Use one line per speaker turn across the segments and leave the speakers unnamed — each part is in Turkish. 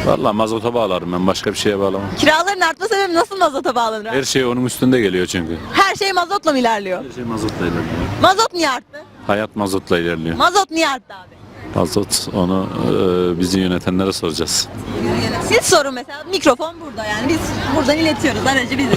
Vallahi mazota bağlarım ben, başka bir şeye bağlamam.
Kiraların artma sebebi nasıl mazota bağlanır abi?
Her şey onun üstünde geliyor çünkü.
Her şey mazotla mı ilerliyor?
Her şey mazotla ilerliyor.
Mazot niye arttı?
Hayat mazotla ilerliyor.
Mazot niye arttı abi?
Mazot onu bizi yönetenlere soracağız.
Siz sorun mesela. Mikrofon burada yani. Biz buradan iletiyoruz. Aracı biziz.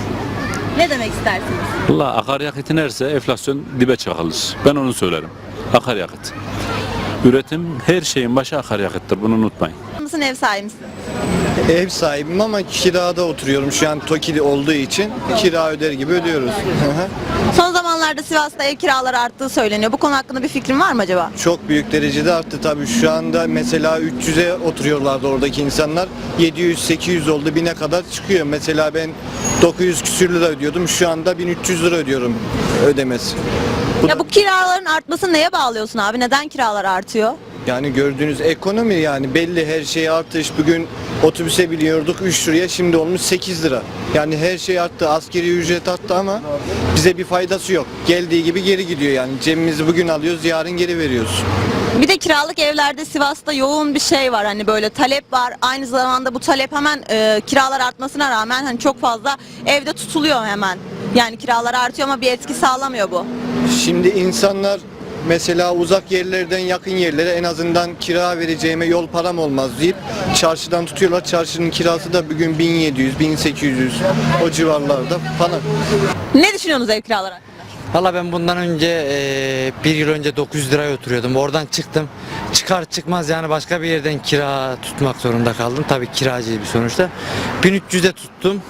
Ne demek istersiniz?
Vallahi akaryakıt inerse enflasyon dibe çakılır. Ben onu söylerim. Akaryakıt. Üretim her şeyin başı akaryakıttır. Bunu unutmayın.
Mısın ev sahibi misin?
Ev sahibim ama kirada oturuyorum. Şu an TOKİ olduğu için kira öder gibi ödüyoruz.
Son zamanlarda Sivas'ta ev kiraları arttığı söyleniyor. Bu konu hakkında bir fikrin var mı acaba?
Çok büyük derecede arttı tabii. Şu anda mesela 300'e oturuyorlardı oradaki insanlar. 700-800 oldu, 1000'e kadar çıkıyor. Mesela ben 900 küsür lira ödüyordum. Şu anda 1300 lira ödüyorum ödemesi.
Ya bu kiraların artmasını neye bağlıyorsun abi? Neden kiralar artıyor?
Yani gördüğünüz ekonomi, yani belli, her şey artış. Bugün otobüse biniyorduk 3 liraya, şimdi olmuş 8 lira. Yani her şey arttı, askeri ücret arttı ama bize bir faydası yok. Geldiği gibi geri gidiyor yani. Cebimizi bugün alıyoruz, yarın geri veriyoruz.
Bir de kiralık evlerde Sivas'ta yoğun bir şey var, hani böyle talep var. Aynı zamanda bu talep hemen kiralar artmasına rağmen hani çok fazla evde tutuluyor hemen. Yani kiralar artıyor ama bir etki sağlamıyor bu.
Şimdi insanlar mesela uzak yerlerden yakın yerlere en azından kira vereceğime yol param olmaz deyip çarşıdan tutuyorlar. Çarşının kirası da bugün 1700, 1800 o civarlarda falan.
Ne düşünüyorsunuz ev kiraları hakkında?
Valla ben bundan önce bir yıl önce 900 liraya oturuyordum. Oradan çıktım. Çıkar çıkmaz yani başka bir yerden kira tutmak zorunda kaldım. Tabii kiracıydı bir sonuçta. 1300'e tuttum.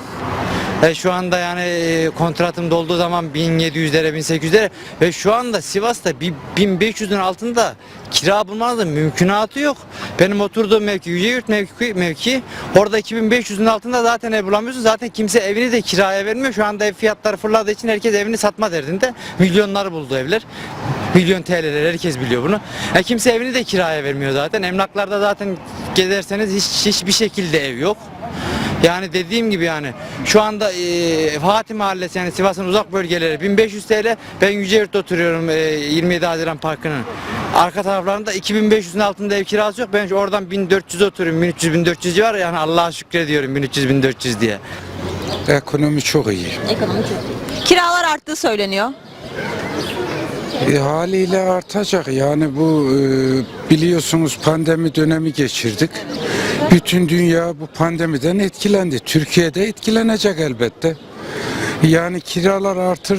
Şu anda yani kontratım dolduğu zaman 1700'lere 1800'lere ve şu anda Sivas'ta bir 1500'ün altında kira bulmanızın mümkünatı yok. Benim oturduğum mevki Yüceyurt mevki. Orada 2500'ün altında zaten ev bulamıyorsun. Zaten kimse evini de kiraya vermiyor. Şu anda ev fiyatları fırladığı için herkes evini satma derdinde. Milyonları buldu evler. Milyon TL'ler, herkes biliyor bunu. Kimse evini de kiraya vermiyor zaten. Emlaklarda zaten gezerseniz hiçbir şekilde ev yok. Yani dediğim gibi yani şu anda Fatih Mahallesi yani Sivas'ın uzak bölgeleri 1500 TL. Ben Yüceyurt'ta oturuyorum 27 Haziran Parkı'nın arka taraflarında 2500'ün altında ev kirası yok. Ben oradan 1400 oturuyorum, 1300-1400 civarı, yani Allah'a şükrediyorum 1300-1400 diye.
Ekonomi çok iyi.
Ekonomi çok iyi. Kiralar arttığı söyleniyor.
Haliyle artacak. Yani bu biliyorsunuz pandemi dönemi geçirdik. Bütün dünya bu pandemiden etkilendi. Türkiye'de etkilenecek elbette. Yani kiralar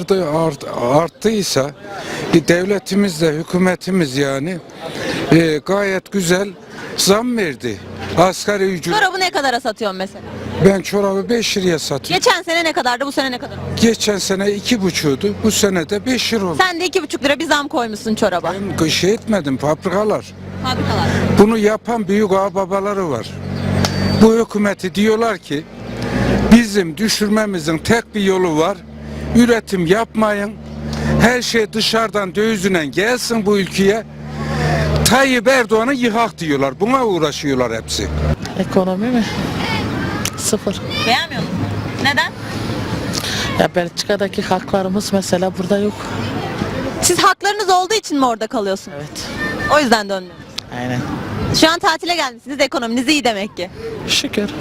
arttıysa devletimiz de hükümetimiz yani gayet güzel zam verdi. Asgari ücret.
Çorabı ne kadara satıyorsun mesela?
Ben çorabı 5 liraya satıyorum.
Geçen sene ne kadardı, bu sene ne kadar oldu?
Geçen sene 2,5'tu. Bu sene de 5 lira oldu.
Sen de 2,5 lira bir zam koymuşsun çoraba.
Ben şey etmedim, fabrikalar.
Fabrikalar.
Bunu yapan büyük ağababaları var. Bu hükümeti diyorlar ki bizim düşürmemizin tek bir yolu var. Üretim yapmayın. Her şey dışarıdan dövizle gelsin bu ülkeye. Tayyip Erdoğan'ı yıkak diyorlar. Buna uğraşıyorlar hepsi.
Ekonomi mi? Sıfır.
Beğenmiyor musun? Neden?
Ya Belçika'daki haklarımız mesela burada yok.
Siz haklarınız olduğu için mi orada kalıyorsunuz?
Evet.
O yüzden dönmüyorsunuz.
Aynen.
Şu an tatile gelmişsiniz, ekonominiz iyi demek ki.
Şükür.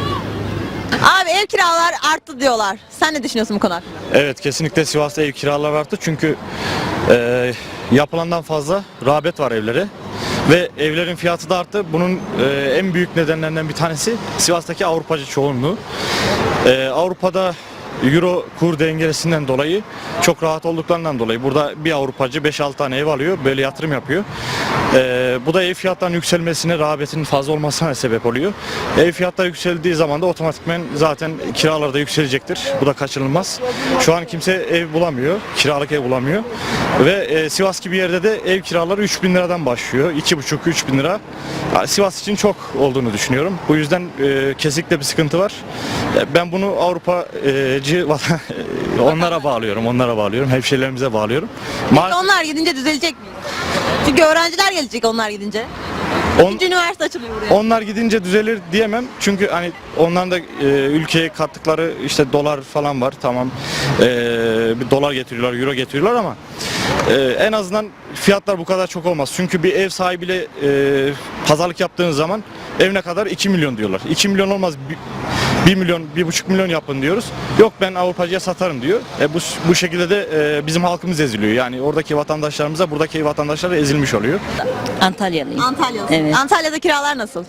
Abi ev kiralar arttı diyorlar. Sen ne düşünüyorsun bu konu hakkında?
Evet, kesinlikle Sivas'ta ev kiraları arttı çünkü yapılandan fazla rağbet var evlere ve evlerin fiyatı da arttı. Bunun en büyük nedenlerinden bir tanesi Sivas'taki Avrupacı çoğunluğu. Avrupa'da Euro kur dengesinden dolayı, çok rahat olduklarından dolayı burada bir Avrupacı 5-6 tane ev alıyor, böyle yatırım yapıyor. Bu da ev fiyatlarının yükselmesine, rağbetin fazla olmasına sebep oluyor. Ev fiyatları yükseldiği zaman da otomatikman zaten kiralar da yükselecektir. Bu da kaçınılmaz. Şu an kimse ev bulamıyor, kiralık ev bulamıyor. Ve Sivas gibi yerde de ev kiraları 3000 liradan başlıyor. 2,5-3 bin lira. Sivas için çok olduğunu düşünüyorum. Bu yüzden kesinlikle bir sıkıntı var. Ben bunu Avrupacı onlara bağlıyorum. Hemşehrilerimize bağlıyorum.
Peki onlar gidince düzelecek mi? Çünkü öğrenciler gelecek onlar gidince. İkinci üniversite açılıyor buraya.
Onlar gidince düzelir diyemem. Çünkü hani onların da ülkeye kattıkları işte dolar falan var. Tamam. Bir dolar getiriyorlar, euro getiriyorlar ama En azından fiyatlar bu kadar çok olmaz. Çünkü bir ev sahibiyle pazarlık yaptığınız zaman ev ne kadar? 2 milyon diyorlar. 2 milyon olmaz. 1 milyon, 1,5 milyon yapın diyoruz. Yok ben Avrupacıya satarım diyor. Bu şekilde de bizim halkımız eziliyor. Yani oradaki vatandaşlarımıza buradaki vatandaşlar ezilmiş oluyor.
Antalyalıyım.
Antalya'da.
Evet.
Antalya'da kiralar nasıl?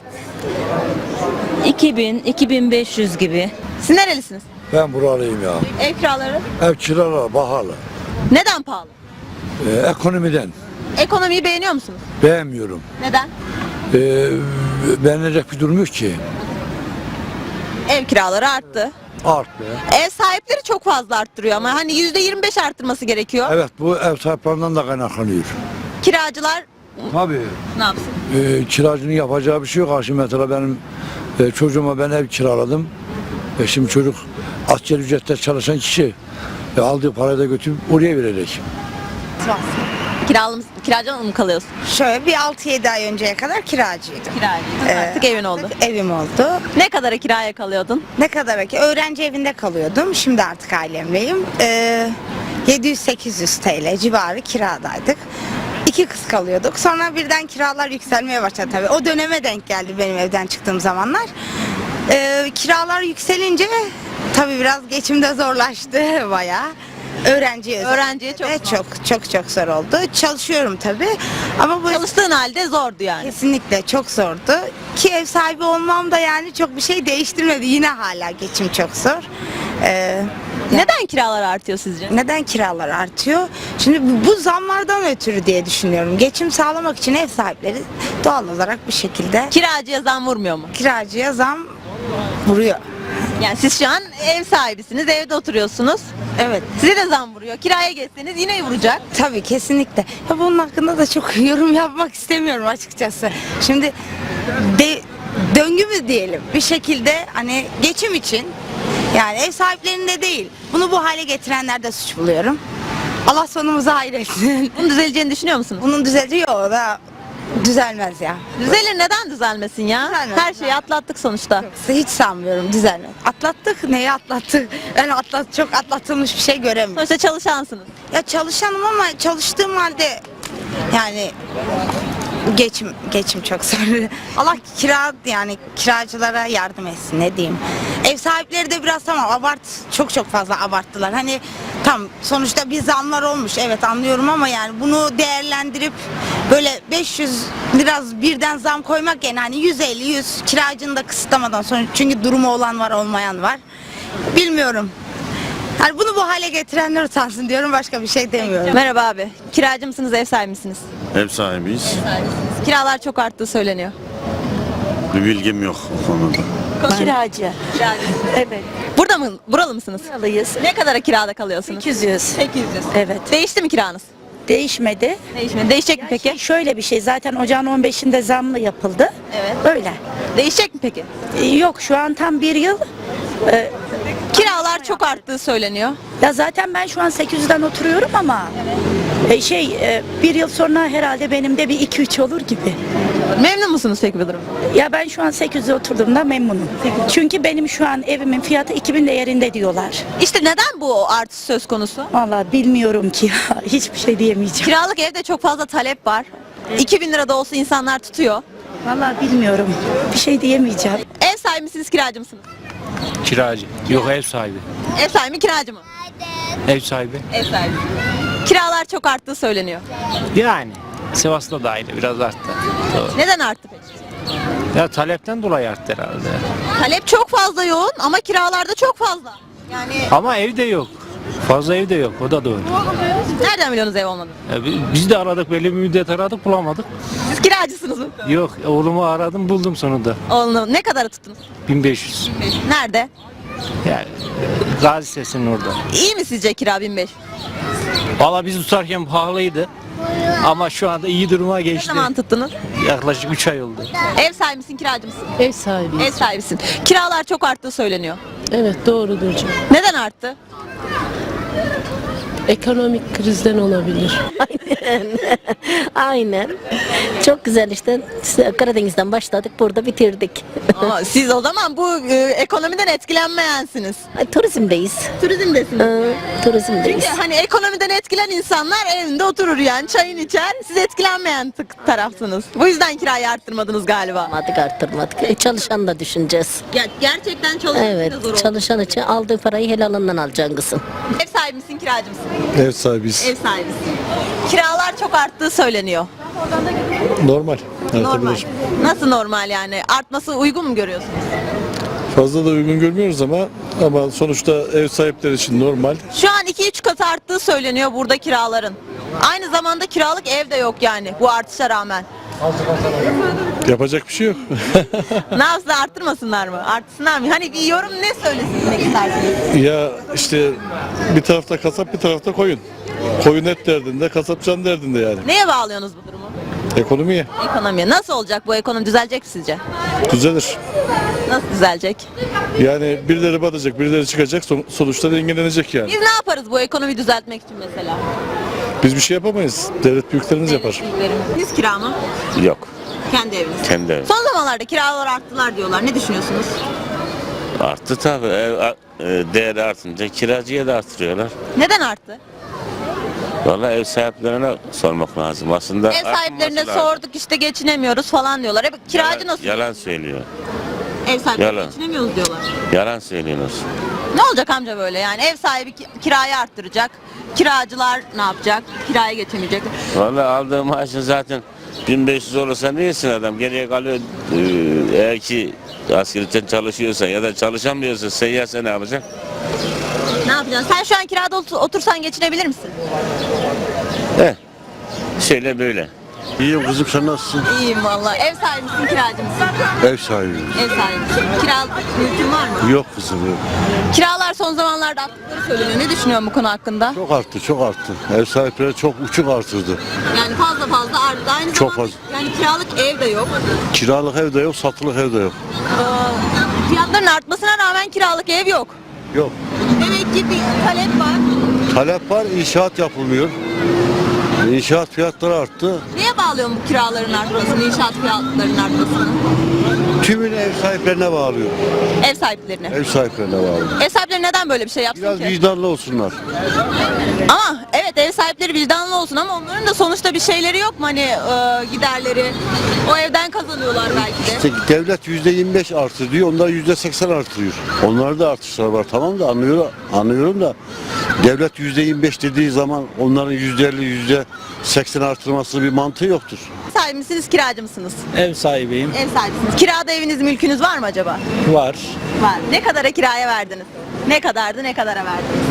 2000-2500 gibi.
Siz nerelisiniz?
Ben buralıyım ya.
Ev kiraları
Ev kiraları pahalı.
neden pahalı?
Ekonomiden
Ekonomiyi beğeniyor musunuz?
beğenmiyorum.
Neden?
Beğenilecek bir durum yok ki.
Ev kiraları arttı.
Arttı.
Ev sahipleri çok fazla arttırıyor ama hani %25 arttırması gerekiyor.
Evet, bu ev sahiplerinden de kaynaklanıyor.
Kiracılar
Tabii.
ne yapsın?
Kiracının yapacağı bir şey yok. Şimdi mesela benim çocuğuma ben ev kiraladım. Şimdi çocuk asgari ücretle çalışan kişi aldığı parayı da götürüp oraya verecek.
Kiracı mı kalıyorsun?
Şöyle bir 6-7 ay önceye kadar kiracıydım.
Kiracı. Artık evin oldu.
Artık evim oldu.
Ne kadara kiraya kalıyordun?
Ne kadar ki öğrenci evinde kalıyordum. Şimdi artık ailemleyim. 700-800 TL civarı kiradaydık. 2 kız kalıyorduk. Sonra birden kiralar yükselmeye başladı tabii. O döneme denk geldi benim evden çıktığım zamanlar. Kiralar yükselince tabii biraz geçimde zorlaştı bayağı. Öğrenciye
çok
çok zor oldu. Çalışıyorum tabii. Ama bu
Çalıştığın halde zordu yani.
kesinlikle çok zordu. Ki ev sahibi olmam da yani çok bir şey değiştirmedi. Yine hala geçim çok zor.
Neden kiralar artıyor sizce?
Neden kiralar artıyor? Şimdi bu zamlardan ötürü diye düşünüyorum. Geçim sağlamak için ev sahipleri doğal olarak bir şekilde
Kiracıya zam vurmuyor mu?
kiracıya zam vuruyor.
Yani siz şu an ev sahibisiniz, evde oturuyorsunuz.
Evet.
Size de zam vuruyor. Kiraya geçseniz yine vuracak.
Tabii kesinlikle. Ya bunun hakkında da çok yorum yapmak istemiyorum açıkçası. Şimdi döngü mü diyelim bir şekilde hani geçim için yani ev sahiplerinde değil. Bunu bu hale getirenlerde suç buluyorum. Allah sonumuzu hayretsin.
Bunun düzeleceğini düşünüyor musunuz?
Bunun düzeliyor o da düzelmez ya.
Düzelir, neden düzelmesin ya?
Düzelmez.
Her şeyi atlattık sonuçta.
Hiç sanmıyorum düzelmez. Atlattık neyi atlattık? Ben çok atlatılmış bir şey göremiyorum.
Sonuçta çalışansınız.
Ya çalışanım ama çalıştığım halde yani geçim çok zor. Allah kiracılara yardım etsin ne diyeyim. Ev sahipleri de biraz tamam çok fazla abarttılar. Hani tam sonuçta bir zamlar olmuş evet anlıyorum ama yani bunu değerlendirip böyle 500 biraz birden zam koymak yani hani 150-100 kiracını da kısıtlamadan sonra çünkü durumu olan var olmayan var. Bilmiyorum. Yani bunu bu hale getirenler utansın diyorum başka bir şey demiyorum.
Merhaba abi. Kiracı mısınız, ev sahibi misiniz?
Ev sahibiyiz.
Kiralar çok arttığı söyleniyor.
Bir bilgim yok o konuda.
Kiracı. Evet.
Burada mı? Buralı mısınız?
Buralıyız.
Ne kadara kirada kalıyorsunuz?
800.
800.
Evet.
Değişti mi kiranız?
Değişmedi.
Değişmedi. Değişecek mi peki?
Şöyle bir şey zaten ocağın 15'inde zamlı yapıldı.
Evet.
Öyle.
Değişecek mi peki?
Yok şu an tam bir yıl.
Kiralar çok arttığı söyleniyor.
Ya zaten ben şu an 800'den oturuyorum ama bir yıl sonra herhalde benim de bir 2-3 olur gibi.
Memnun musunuz peki bu durumda?
Ya ben şu an 800'de oturduğumda memnunum. Çünkü benim şu an evimin fiyatı 2000 değerinde diyorlar.
İşte neden bu artış söz konusu?
Vallahi bilmiyorum ki ya. Hiçbir şey diyemeyeceğim.
Kiralık evde çok fazla talep var. 2000 lira da olsa insanlar tutuyor.
Vallahi bilmiyorum. Bir şey diyemeyeceğim.
Ev sahibi misiniz, kiracı mısınız?
Kiracı. Yok ev sahibi.
Ev sahibi mi, kiracı mı?
Ev sahibi.
Ev sahibi. Kiralar çok arttığı söyleniyor.
Yani Sivas'ta da aynı biraz arttı. Doğru.
Neden arttı peki?
Ya talepten dolayı arttı herhalde.
Talep çok fazla yoğun ama kiralar da çok fazla. Yani
Ama ev de yok. Fazla ev de yok. O da doğru.
nereden biliyorsunuz ev olmadığını?
Biz de aradık belli bir müddet aradık bulamadık.
Siz kiracısınız mı?
Yok oğlumu aradım buldum sonunda.
Oğlunu ne kadara tuttunuz?
1500.
Nerede?
Yani Gazi Sesi'nin orada.
İyi mi sizce kira 1500?
Valla biz tutarken pahalıydı. Ama şu anda iyi duruma
Ne
geçti.
zaman tuttunuz?
Yaklaşık 3 ay oldu.
Ev sahibi misin, kiracı mısın?
Ev sahibi.
Ev sahibisin. Kiralar çok arttığı söyleniyor.
Evet doğrudur canım.
Neden arttı?
Ekonomik krizden olabilir.
Aynen. Çok güzel işte. Karadeniz'den başladık, burada bitirdik.
Ama siz o zaman bu ekonomiden etkilenmeyensiniz.
Turizmdeyiz.
Turizmdesiniz.
Turizmdeyiz.
Çünkü hani ekonomiden etkilen insanlar evinde oturur yani çayını içer. Siz etkilenmeyen tarafsınız. Bu yüzden kirayı arttırmadınız galiba.
Arttırmadık. Çalışan da düşüneceğiz.
Gerçekten çalışmak
Evet,
da zor oldu.
çalışan için aldığı parayı helalından alacaksın kızım.
Ev sahibi misin, kiracı mısın?
Ev sahibiyiz.
Ev sahibisin. Kiralar çok arttığı söyleniyor.
Normal.
Normal. Nasıl normal yani? Artması uygun mu görüyorsunuz?
Fazla da uygun görmüyoruz ama sonuçta ev sahipleri için normal.
Şu an 2-3 kat arttığı söyleniyor burada kiraların. Aynı zamanda kiralık ev de yok yani bu artışa rağmen.
Yapacak bir şey yok.
Ne yapsınlar, arttırmasınlar mı? Artsınlar mı? Hani bir yorum ne söylesinmek istersiniz?
Ya işte bir tarafta kasap bir tarafta koyun. Koyun et derdinde, kasap can derdinde yani.
Neye bağlıyorsunuz bu durumu?
Ekonomiye
Ekonomiye. Nasıl olacak bu ekonomi? Düzelecek mi sizce?
düzelir.
Nasıl düzelecek?
Yani birileri batacak, birileri çıkacak, sonuçta dengelenecek yani.
Biz ne yaparız bu ekonomiyi düzeltmek için mesela?
Biz bir şey yapamayız. Devlet büyüklerimiz yapar.
Siz kira mı?
Yok.
Kendi eviniz.
Kendi evim.
Son zamanlarda kiralar arttılar diyorlar. Ne düşünüyorsunuz?
Arttı tabii. Değeri artınca kiracıya da artırıyorlar.
Neden arttı?
Vallahi ev sahiplerine sormak lazım. Aslında
Ev sahiplerine
artmaması lazım.
sorduk işte geçinemiyoruz falan diyorlar. Kiracı nasıl?
Yalan söylüyor.
Ev sahipleri
Yalan.
geçinemiyoruz diyorlar.
Yalan söylüyorsunuz.
Ne olacak amca böyle yani? Ev sahibi kirayı arttıracak. Kiracılar ne yapacak? Kiraya geçemeyecek.
Vallahi aldığı maaşın zaten 1500 olursa ne yesin adam? Geriye kalıyor. Eğer ki askerlikten çalışıyorsa ya da çalışamıyorsa seyyarsa ne yapacak?
Ne yapacaksın? Sen şu an kirada otursan geçinebilir misin?
Şöyle böyle.
İyiyim kızım, sen nasılsın?
İyiyim valla. Ev sahibi misin, kiracı mısın?
Ev sahibiyim.
Ev sahibi misin? Kiralık mülkün var mı?
Yok kızım yok.
Kiralar son zamanlarda arttıkları söyleniyor. Ne düşünüyorsun bu konu hakkında?
Çok arttı, çok arttı. Ev sahipleri çok uçuk artırdı.
Yani fazla arttı. Aynı
Çok
zamanda
fazla.
yani kiralık ev de yok.
Kiralık ev de yok, satılık ev de yok.
Fiyatların artmasına rağmen kiralık ev yok.
Yok.
Demek ki bir talep var.
Talep var, inşaat yapılmıyor. İnşaat fiyatları arttı.
Neye bağlıyorsun bu kiraların artmasını, inşaat fiyatlarının artmasını?
Tümünü ev sahiplerine bağlıyor.
Ev sahiplerine.
Ev sahiplerine bağlıyor.
Ev sahipleri neden böyle bir şey yapsın
Biraz
ki?
vicdanlı olsunlar.
Ama evet ev sahipleri vicdanlı olsun ama onların da sonuçta bir şeyleri yok mu hani giderleri? O evden kazanıyorlar belki de.
İşte devlet %25 artır diyor, onlar %80 artırıyor. Onlarda da artışlar var, tamam da anlıyorum da devlet %25 dediği zaman onların %50, %80 artırması bir mantığı yoktur.
Ev sahibi misiniz, kiracı mısınız?
Ev sahibiyim.
Ev sahibisiniz. Kirada eviniz, mülkünüz var mı acaba?
Var.
Var. Ne kadara kiraya verdiniz? Ne kadardı, ne kadara verdiniz?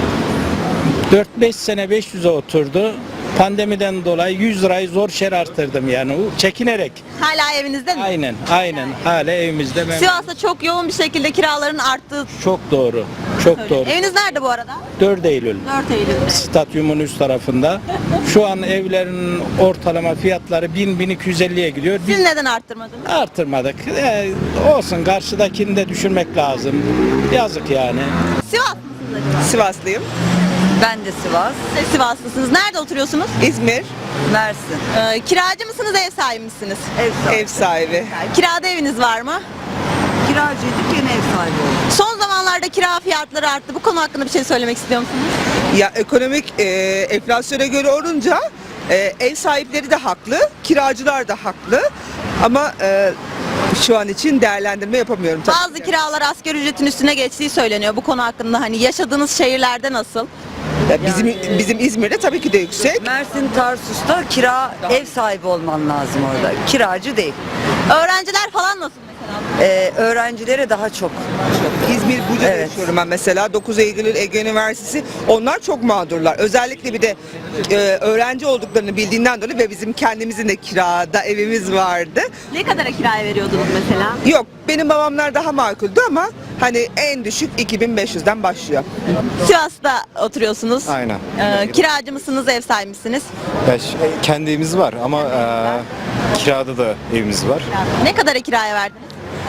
4-5 sene 500'e oturdu. Pandemiden dolayı 100 lirayı zor şer arttırdım yani. Çekinerek.
Hala evinizde mi?
Aynen. Hala evimizde.
Sivas'ta çok yoğun bir şekilde kiraların arttığı
Çok doğru. Çok doğru.
Eviniz nerede bu arada?
4 Eylül.
4 Eylül'de.
Stadyumun üst tarafında. Şu an evlerin ortalama fiyatları 1000-1250'ye gidiyor.
Siz neden arttırmadınız?
Artırmadık. Olsun, karşıdakini de düşürmek lazım. Yazık yani.
Sivas mısınız acaba?
Sivaslıyım.
Ben de Sivas.
Siz Sivaslısınız. Nerede oturuyorsunuz?
İzmir.
Mersin.
Kiracı mısınız, ev sahibi misiniz?
Ev sahibi.
Kirada eviniz var mı?
Kiracıydık, yine ev sahibi olduk.
Son zamanlarda kira fiyatları arttı. Bu konu hakkında bir şey söylemek istiyor musunuz?
Ya ekonomik enflasyona göre olunca ev sahipleri de haklı, kiracılar da haklı. Ama şu an için değerlendirme yapamıyorum tabii.
Bazı kiralar asgari ücretin üstüne geçtiği söyleniyor. Bu konu hakkında hani yaşadığınız şehirlerde nasıl?
Ya bizim İzmir'de tabii ki de yüksek.
Mersin, Tarsus'ta ev sahibi olman lazım orada. Kiracı değil.
Öğrenciler falan nasıl mesela?
Öğrencilere daha çok.
İzmir Buca'da yaşıyorum ben mesela. 9 Eylül Ege Üniversitesi. Onlar çok mağdurlar. Özellikle bir de öğrenci olduklarını bildiğinden dolayı ve bizim kendimizin de kirada evimiz vardı.
Ne kadara kiraya veriyordunuz mesela?
Yok, benim babamlar daha makuldü ama hani en düşük 2500'den başlıyor.
Sivas'ta oturuyorsunuz.
Aynen.
Kiracı mısınız, ev sahibi misiniz?
Kendi evimiz var ama kirada da evimiz var.
Ne kadara kiraya verdiniz?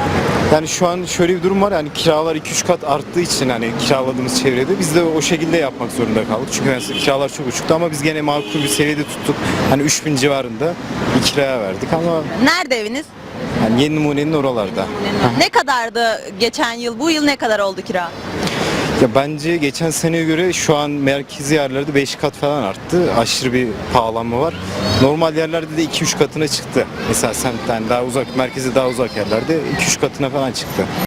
Yani şu an şöyle bir durum var, yani kiralar 2-3 kat arttığı için hani kiraladığımız çevrede biz de o şekilde yapmak zorunda kaldık. Çünkü mesela kiralar çok uçuktu ama biz gene makul bir seviyede tuttuk. Hani 3000 civarında bir kiraya verdik ama
Nerede eviniz?
yani Yeni Numune'nin oralarda.
Ne kadardı geçen yıl? Bu yıl ne kadar oldu kira?
Ya bence geçen seneye göre şu an merkezi yerlerde 5 kat falan arttı. Aşırı bir pahalanma var. Normal yerlerde de 2-3 katına çıktı. Mesela semtten daha uzak, merkeze daha uzak yerlerde 2-3 katına falan çıktı.